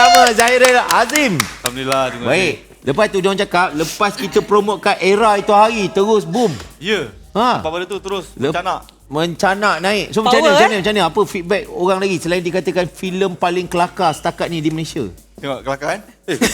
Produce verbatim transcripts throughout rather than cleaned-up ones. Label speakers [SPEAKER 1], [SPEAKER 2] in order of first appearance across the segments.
[SPEAKER 1] bersama Zahiril Azim.
[SPEAKER 2] Alhamdulillah.
[SPEAKER 1] Baik. Lepas tu diorang cakap, lepas kita promote kat Era itu hari, terus boom.
[SPEAKER 2] Ya.
[SPEAKER 1] Ha.
[SPEAKER 2] Lepas pada tu terus
[SPEAKER 1] Lep-
[SPEAKER 2] mencanak.
[SPEAKER 1] Mencanak naik. So macam
[SPEAKER 3] Power,
[SPEAKER 1] mana, macam mana,
[SPEAKER 3] eh?
[SPEAKER 1] macam mana? Apa feedback orang lagi selain dikatakan filem paling kelakar setakat ni di Malaysia?
[SPEAKER 2] Tengok kelakar kan?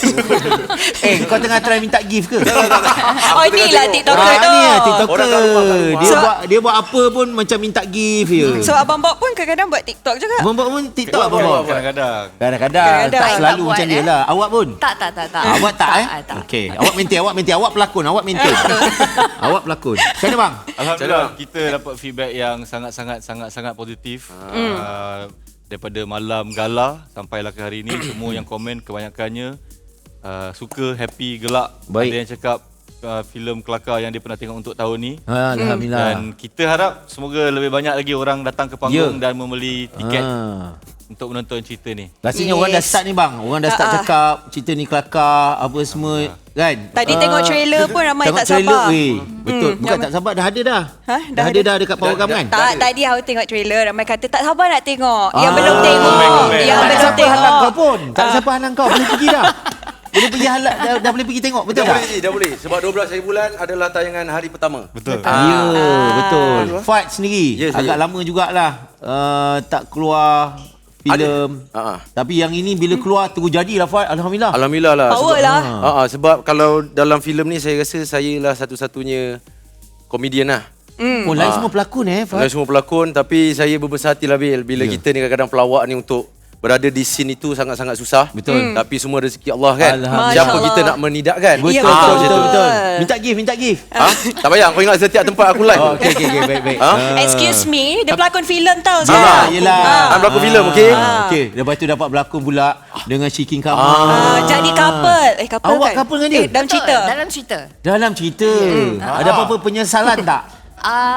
[SPEAKER 1] Eh, kau tengah try minta gift ke?
[SPEAKER 3] Oh, inilah TikToker
[SPEAKER 1] Ah,
[SPEAKER 3] tu.
[SPEAKER 1] ni lah TikToker.
[SPEAKER 4] Orang kat rumah, kat rumah.
[SPEAKER 1] Dia
[SPEAKER 3] So-
[SPEAKER 1] buat dia buat apa pun macam minta gift je.
[SPEAKER 3] So Abang Bob pun kadang-kadang buat TikTok juga.
[SPEAKER 1] Abang buat pun TikTok
[SPEAKER 4] Buat,
[SPEAKER 1] abang
[SPEAKER 4] buat,
[SPEAKER 1] buat.
[SPEAKER 4] buat.
[SPEAKER 2] Kadang-kadang.
[SPEAKER 1] Kadang-kadang
[SPEAKER 3] Kadang-kadang.
[SPEAKER 1] tak
[SPEAKER 3] Tak
[SPEAKER 1] selalu
[SPEAKER 5] buat,
[SPEAKER 1] macam dia
[SPEAKER 5] eh.
[SPEAKER 1] lah. Awak pun?
[SPEAKER 5] Tak, tak, tak, tak.
[SPEAKER 1] Awak tak eh?
[SPEAKER 5] Tak.
[SPEAKER 1] Okey, awak maintain, awak maintain, awak pelakon, awak maintain. Awak pelakon. Macam mana bang?
[SPEAKER 2] Alhamdulillah kita dapat feedback yang sangat-sangat sangat-sangat positif. Uh, daripada malam gala sampailah ke hari ini semua yang komen kebanyakannya uh, suka, happy, gelak.
[SPEAKER 1] Baik.
[SPEAKER 2] Ada yang cakap uh, filem kelakar yang dia pernah tengok untuk tahun ni.
[SPEAKER 1] Alhamdulillah.
[SPEAKER 2] Dan kita harap semoga lebih banyak lagi orang datang ke panggung
[SPEAKER 1] Ya.
[SPEAKER 2] dan membeli tiket
[SPEAKER 1] Ah.
[SPEAKER 2] untuk menonton cerita ni.
[SPEAKER 1] Rasanya
[SPEAKER 3] Yes.
[SPEAKER 1] orang dah start ni bang. Orang dah start
[SPEAKER 3] Ah, ah.
[SPEAKER 1] cakap cerita ni kelakar apa semua kan.
[SPEAKER 3] Tadi
[SPEAKER 1] Ah,
[SPEAKER 3] tengok trailer pun ramai
[SPEAKER 1] tengok
[SPEAKER 3] tak
[SPEAKER 1] trailer,
[SPEAKER 3] sabar.
[SPEAKER 1] weh. Betul.
[SPEAKER 3] Hmm,
[SPEAKER 1] Bukan
[SPEAKER 3] ramai-
[SPEAKER 1] tak sabar dah ada dah.
[SPEAKER 3] Ha?
[SPEAKER 1] Dah, ada dah dekat program
[SPEAKER 4] dah-
[SPEAKER 1] kan?
[SPEAKER 3] Tak, tadi aku tengok trailer ramai kata tak sabar nak tengok. Yang
[SPEAKER 1] Ah.
[SPEAKER 3] belum tengok.
[SPEAKER 2] Komen-komen.
[SPEAKER 3] Yang
[SPEAKER 1] tak ada
[SPEAKER 3] belum
[SPEAKER 1] siapa halang kau
[SPEAKER 3] tengok.
[SPEAKER 1] pun. Tak ada
[SPEAKER 3] Ah.
[SPEAKER 1] siapa halang kau. Boleh pergi dah. Boleh pergi halang dah, dah boleh pergi tengok. Betul
[SPEAKER 4] Dah
[SPEAKER 1] tak?
[SPEAKER 4] boleh, Ji, dah boleh. Sebab dua belas hari bulan adalah tayangan hari pertama.
[SPEAKER 2] Betul.
[SPEAKER 1] Ya, betul.
[SPEAKER 4] Ah.
[SPEAKER 1] Fat sendiri.
[SPEAKER 4] Ya, saya.
[SPEAKER 1] Agak lama jugalah uh, tak keluar filem.
[SPEAKER 4] Ha ah.
[SPEAKER 1] Tapi yang ini bila keluar terus jadilah Fat. Alhamdulillah.
[SPEAKER 4] Alhamdulillah lah.
[SPEAKER 3] Power
[SPEAKER 4] sebab,
[SPEAKER 3] lah.
[SPEAKER 4] Ha ah, sebab kalau dalam filem ni saya rasa saya lah satu-satunya komedian lah.
[SPEAKER 1] Oh, lain
[SPEAKER 4] Ah.
[SPEAKER 1] semua pelakon eh,
[SPEAKER 4] Kalau
[SPEAKER 1] Fat.
[SPEAKER 4] semua pelakon, tapi saya berbesar hati lah Bil. Bila
[SPEAKER 1] Ya.
[SPEAKER 4] kita ni kadang-kadang pelawak ni untuk berada di scene itu sangat-sangat susah.
[SPEAKER 1] Betul.
[SPEAKER 4] Hmm. Tapi semua rezeki Allah kan.
[SPEAKER 1] Alhamdulillah.
[SPEAKER 4] Siapa
[SPEAKER 3] Masya
[SPEAKER 4] kita
[SPEAKER 3] Allah.
[SPEAKER 4] nak menidakkan?
[SPEAKER 1] Betul,
[SPEAKER 3] Ya,
[SPEAKER 1] betul,
[SPEAKER 3] betul.
[SPEAKER 1] betul, betul. Minta gift, minta gift.
[SPEAKER 4] Ha? Tak payah, kau ingat setiap tempat aku live.
[SPEAKER 1] Oh, okey, okey, okey, baik, baik.
[SPEAKER 4] Ha?
[SPEAKER 1] Ah.
[SPEAKER 3] Excuse me, dia pelakon filem tau
[SPEAKER 1] Ah,
[SPEAKER 3] sekarang.
[SPEAKER 1] yelah.
[SPEAKER 4] Ah, berlaku filem, okey?
[SPEAKER 1] Ah, okey. Lepas tu dapat berlakon pula dengan Shikin Kamal.
[SPEAKER 3] Ah, jadi couple. Eh, couple
[SPEAKER 1] Awak
[SPEAKER 3] kan?
[SPEAKER 1] couple dengan dia?
[SPEAKER 3] Eh, dalam
[SPEAKER 5] Betul,
[SPEAKER 3] cerita.
[SPEAKER 5] Dalam cerita.
[SPEAKER 1] Dalam cerita. Ada apa-apa penyesalan tak?
[SPEAKER 5] Ah.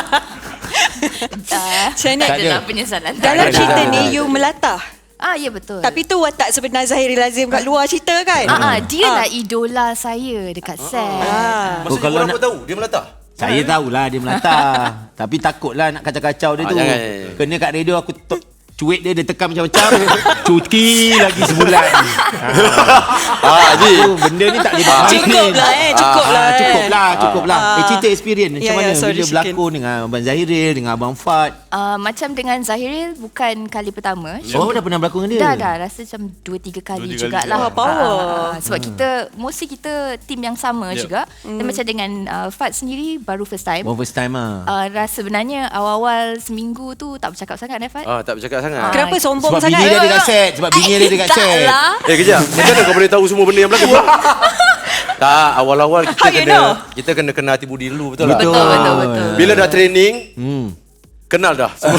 [SPEAKER 3] Macam mana?
[SPEAKER 1] Tak
[SPEAKER 5] Tak
[SPEAKER 1] ada.
[SPEAKER 5] adalah penyesalan.
[SPEAKER 3] Dalam
[SPEAKER 1] ada,
[SPEAKER 3] cerita
[SPEAKER 1] tak ada,
[SPEAKER 3] ni,
[SPEAKER 1] tak
[SPEAKER 3] you melatah.
[SPEAKER 5] Ah, ya betul.
[SPEAKER 3] Tapi tu watak sebenar Zahiril Azim kat luar cerita kan?
[SPEAKER 5] ah, ah, dia lah idola saya dekat set.
[SPEAKER 3] Ah.
[SPEAKER 4] Maksudnya
[SPEAKER 1] kalau
[SPEAKER 4] korang
[SPEAKER 1] nak-
[SPEAKER 4] pun tahu, dia melatah?
[SPEAKER 1] Saya tahulah dia melatah. Tapi takutlah nak kacau-kacau dia
[SPEAKER 4] Ah,
[SPEAKER 1] tu.
[SPEAKER 4] jangan, jangan.
[SPEAKER 1] Kena kat radio aku to- cuit dia, dia tekan macam-macam. Cuti lagi sebulan.
[SPEAKER 4] Ah, Ji.
[SPEAKER 1] Tu benda ni tak boleh buat main.
[SPEAKER 3] Cukup lah eh, cukup
[SPEAKER 1] Ah,
[SPEAKER 3] lah eh.
[SPEAKER 1] cukup lah, cukup lah.
[SPEAKER 3] Ah.
[SPEAKER 1] Eh, cerita experience macam
[SPEAKER 3] Ya, ya,
[SPEAKER 1] mana
[SPEAKER 3] sorry,
[SPEAKER 1] bila
[SPEAKER 3] Shikin.
[SPEAKER 1] berlakon dengan Abang Zahiril, dengan Abang Fat.
[SPEAKER 5] Uh, macam dengan Zahiril bukan kali pertama.
[SPEAKER 1] Oh, dah pernah berlakon dengan dia?
[SPEAKER 5] Dah dah rasa macam dua tiga kali
[SPEAKER 2] Dua, tiga kali
[SPEAKER 5] jugalah.
[SPEAKER 2] juga.
[SPEAKER 3] Wah, power.
[SPEAKER 5] Ah, sebab kita mostly kita team yang sama
[SPEAKER 2] Yep.
[SPEAKER 5] juga. Dan macam dengan uh, Fat sendiri baru first time.
[SPEAKER 1] Oh, first time lah.
[SPEAKER 5] Uh, rasa sebenarnya awal-awal seminggu tu tak bercakap sangat eh Fat.
[SPEAKER 4] Ah, tak bercakap sangat.
[SPEAKER 5] Ah.
[SPEAKER 3] Kenapa sombong
[SPEAKER 1] Sebab
[SPEAKER 3] sangat?
[SPEAKER 1] bini dia dekat set. Sebab bini dia dekat
[SPEAKER 5] tak
[SPEAKER 1] set.
[SPEAKER 5] lah.
[SPEAKER 4] Eh, kejap. Macam mana kau boleh tahu semua benda yang berlaku? Tak, awal-awal kita
[SPEAKER 3] How you
[SPEAKER 4] kena
[SPEAKER 3] know?
[SPEAKER 4] kita kena kenal hati budi dulu, betul tak?
[SPEAKER 5] Betul, betul, betul.
[SPEAKER 4] Bila dah training,
[SPEAKER 1] Hmm.
[SPEAKER 4] kenal dah semua.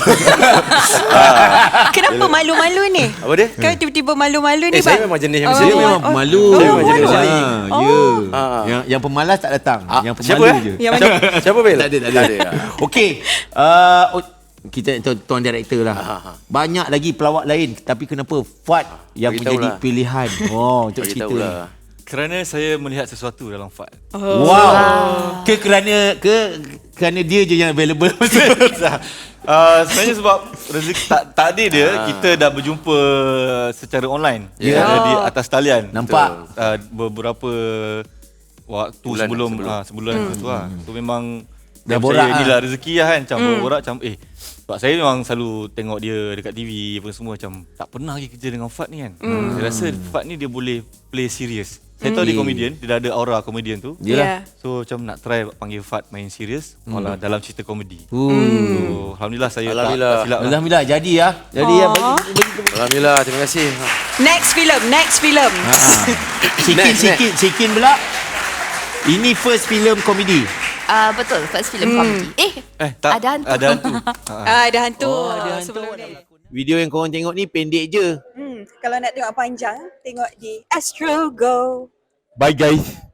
[SPEAKER 3] Kenapa malu-malu ni?
[SPEAKER 4] Apa dia?
[SPEAKER 3] Kan tiba-tiba malu-malu ni
[SPEAKER 4] Eh, saya
[SPEAKER 3] bang?
[SPEAKER 4] memang jenis yang
[SPEAKER 3] Oh,
[SPEAKER 4] macam
[SPEAKER 1] Saya
[SPEAKER 4] ni.
[SPEAKER 1] memang
[SPEAKER 3] oh.
[SPEAKER 1] pemalu.
[SPEAKER 4] Saya memang jenis
[SPEAKER 1] Ah,
[SPEAKER 4] macam ni.
[SPEAKER 1] Ya.
[SPEAKER 4] Ah.
[SPEAKER 1] Yang, yang pemalas tak datang.
[SPEAKER 4] Ah,
[SPEAKER 1] Yang
[SPEAKER 4] siapa
[SPEAKER 1] pemalu
[SPEAKER 4] eh?
[SPEAKER 1] je.
[SPEAKER 3] Yang mana?
[SPEAKER 4] Siapa, siapa Bil?
[SPEAKER 1] Tak ada, tak ada.
[SPEAKER 4] Tak ada. ya.
[SPEAKER 1] Okey. Uh, oh, kita tu, tuan director lah.
[SPEAKER 4] Ah, ah.
[SPEAKER 1] Banyak lagi pelawak lain. Tapi kenapa Fat yang
[SPEAKER 4] Beritahu
[SPEAKER 1] menjadi
[SPEAKER 4] lah.
[SPEAKER 1] pilihan? Oh, untuk
[SPEAKER 4] Bagi
[SPEAKER 1] cerita
[SPEAKER 4] tahu
[SPEAKER 1] ni.
[SPEAKER 4] lah.
[SPEAKER 2] Kerana saya melihat sesuatu dalam Fat.
[SPEAKER 3] Oh.
[SPEAKER 1] Wow. Ke kerana ke kerana dia je yang available.
[SPEAKER 2] uh, sebenarnya sebab rezeki tak, takdir dia kita dah berjumpa secara online.
[SPEAKER 1] Ya.
[SPEAKER 2] Ada di
[SPEAKER 3] Oh.
[SPEAKER 2] atas talian.
[SPEAKER 1] Nampak.
[SPEAKER 2] Uh, beberapa waktu
[SPEAKER 4] Bulan,
[SPEAKER 2] sebelum
[SPEAKER 4] sebelum.
[SPEAKER 2] ah sebulan hmm. tu lah. So memang
[SPEAKER 1] Dah
[SPEAKER 2] dia
[SPEAKER 1] borak
[SPEAKER 2] percaya
[SPEAKER 1] ah.
[SPEAKER 2] inilah rezeki lah kan. Macam hmm. borak macam eh sebab saya memang selalu tengok dia dekat T V apa semua macam tak pernah lagi kerja dengan Fat ni kan. Hmm. Saya rasa Fat ni dia boleh play serious. Saya tahu dia komedian, dia dah ada aura komedian tu.
[SPEAKER 1] Yelah.
[SPEAKER 2] So macam nak try panggil Fat main serius malah dalam cerita komedi.
[SPEAKER 1] Hmm.
[SPEAKER 2] So alhamdulillah saya
[SPEAKER 4] Alhamdulillah.
[SPEAKER 2] tak, tak silap lah.
[SPEAKER 1] Alhamdulillah jadi ya. Jadi ya. Bagi, bagi,
[SPEAKER 4] Alhamdulillah, terima kasih.
[SPEAKER 3] Next film, next film.
[SPEAKER 1] Ha. Sikin,
[SPEAKER 4] Next,
[SPEAKER 1] sikin, sikin pula. Ini first film komedi.
[SPEAKER 5] Uh, betul, first film comedy. Eh,
[SPEAKER 2] Eh tak
[SPEAKER 5] ada hantu.
[SPEAKER 2] Ada hantu. Ha.
[SPEAKER 3] Ah, ada hantu.
[SPEAKER 1] Oh, ada
[SPEAKER 3] Ah,
[SPEAKER 1] hantu.
[SPEAKER 3] sebelum ni.
[SPEAKER 1] Video yang korang tengok ni pendek je.
[SPEAKER 3] Hmm, kalau nak tengok panjang, tengok di Astro Go.
[SPEAKER 1] Bye guys.